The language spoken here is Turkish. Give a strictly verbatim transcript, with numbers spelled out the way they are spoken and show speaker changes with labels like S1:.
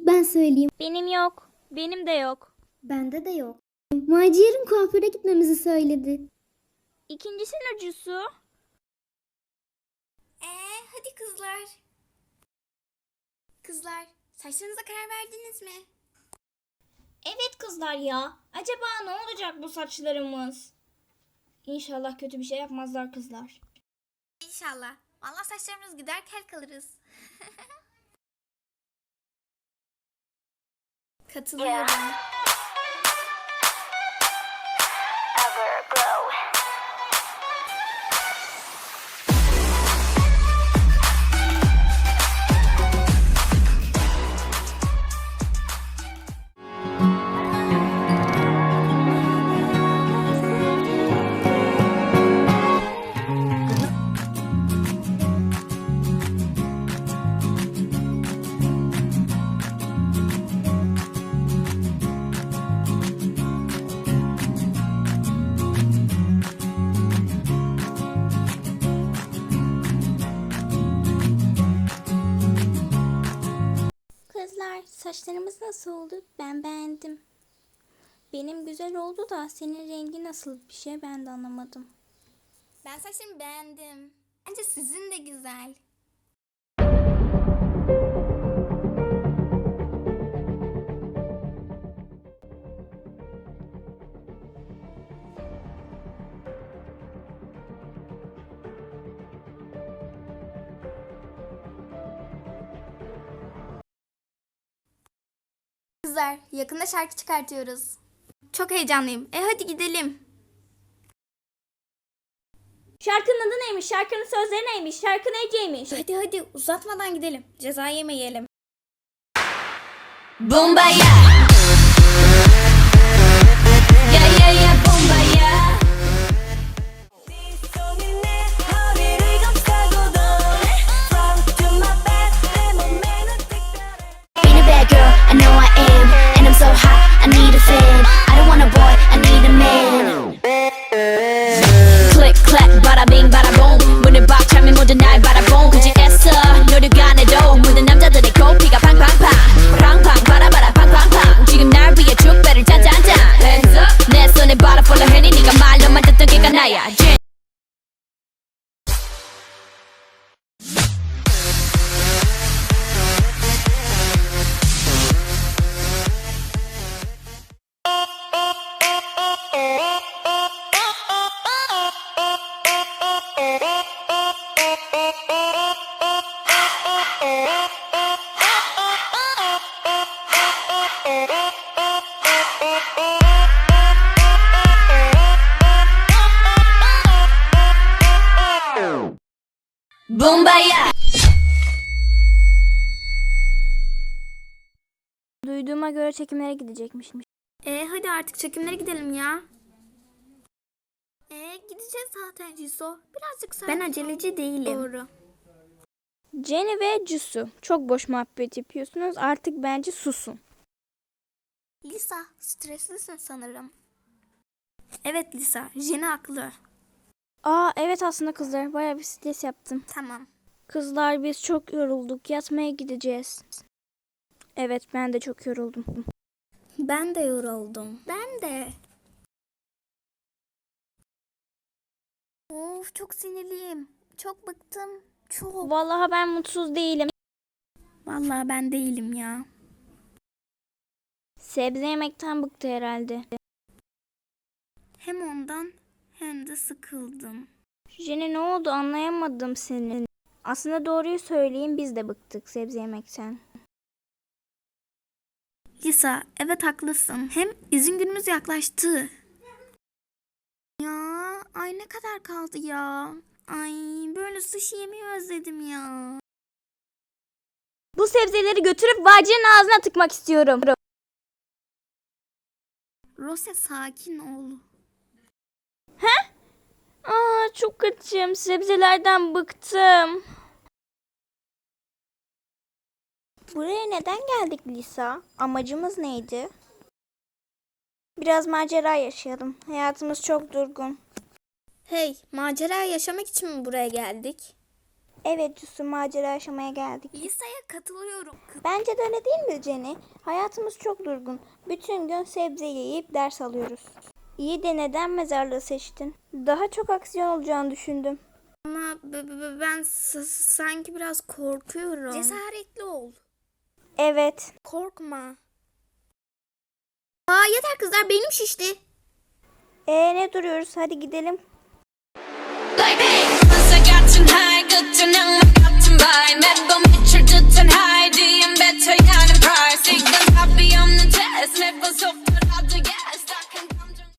S1: İlk ben söyleyeyim.
S2: Benim yok. Benim de yok.
S1: Bende de yok. Macier'in kuaföre gitmemizi söyledi.
S2: İkincisinin acısı.
S3: Ee, hadi kızlar. Kızlar, saçlarınıza karar verdiniz mi?
S2: Evet kızlar ya. Acaba ne olacak bu saçlarımız? İnşallah kötü bir şey yapmazlar kızlar.
S3: İnşallah. Vallahi saçlarımız gider kel kalırız. Katılıyorum.
S2: Kızlar saçlarımız nasıl oldu? Ben beğendim. Benim güzel oldu da senin rengi nasıl bir şey ben de anlamadım.
S3: Ben saçlarımı beğendim. Bence sizin de güzel. Kızlar, yakında şarkı çıkartıyoruz. Çok heyecanlıyım. E hadi gidelim.
S2: Şarkının adı neymiş? Şarkının sözleri neymiş? Şarkı neymiş?
S3: Hadi hadi uzatmadan gidelim. Ceza yemeyelim.
S4: Bombaya. Yeah yeah yeah bombaya. Being a bad girl, I know I am, and I'm so hot, I need a fan. I don't want a boy, I need a man. Click clack, bada bing, bada boom. 문을 박 차면 모두 날 바라본 굳이 애써 노력 안 해도 모든 남자들의 코피가 팡팡팡 팡팡 바라바라 팡팡팡 지금 날 위해 축배를 짠짠짠 Hands up 내 손에 butterfly 해니 네가 말로만 듣던 걔가 나야 Jen. Bombaya.
S2: Duyduğuma göre çekimlere gidecekmiş.
S3: E hadi artık çekimlere gidelim ya. E gideceğiz zaten Ciso. Birazcık sakin. Ben aceleci değilim. Doğru.
S2: Jenny ve Jisoo çok boş muhabbet yapıyorsunuz. Artık bence susun.
S3: Lisa, streslisin sanırım. Evet Lisa, Jenny haklı.
S2: Aa evet aslında kızlar bayağı bir stres yaptım.
S3: Tamam.
S2: Kızlar biz çok yorulduk. Yatmaya gideceğiz. Evet ben de çok yoruldum.
S3: Ben de yoruldum. Ben de. Of çok sinirliyim. Çok bıktım. Çok.
S2: Vallahi ben mutsuz değilim.
S3: Vallahi ben değilim ya.
S2: Sebze yemekten bıktı herhalde.
S3: Hem ondan hem de sıkıldım.
S2: Jenny ne oldu anlayamadım seni. Aslında doğruyu söyleyeyim biz de bıktık sebze yemekten.
S3: Lisa, evet haklısın. Hem izin günümüz yaklaştı. Ya, ay ne kadar kaldı ya. Ay böyle sushi yemeyi özledim ya.
S2: Bu sebzeleri götürüp Vacir'in ağzına tıkmak istiyorum.
S3: Rose sakin ol.
S2: Aa çok açım. Sebzelerden bıktım. Buraya neden geldik Lisa? Amacımız neydi? Biraz macera yaşayalım. Hayatımız çok durgun.
S3: Hey, macera yaşamak için mi buraya geldik?
S2: Evet Cüssü, macera yaşamaya geldik.
S3: Lisa'ya katılıyorum.
S2: Bence de öyle değil mi Jenny? Hayatımız çok durgun. Bütün gün sebze yiyip ders alıyoruz. İyi de neden mezarlığı seçtin? Daha çok aksiyon olacağını düşündüm.
S3: Ama b- b- ben s- sanki biraz korkuyorum. Cesaretli ol.
S2: Evet.
S3: Korkma. Aa yeter kızlar, benim şişti.
S2: Ee ne duruyoruz? Hadi gidelim.
S4: Like, hey, once I got tonight, good to know.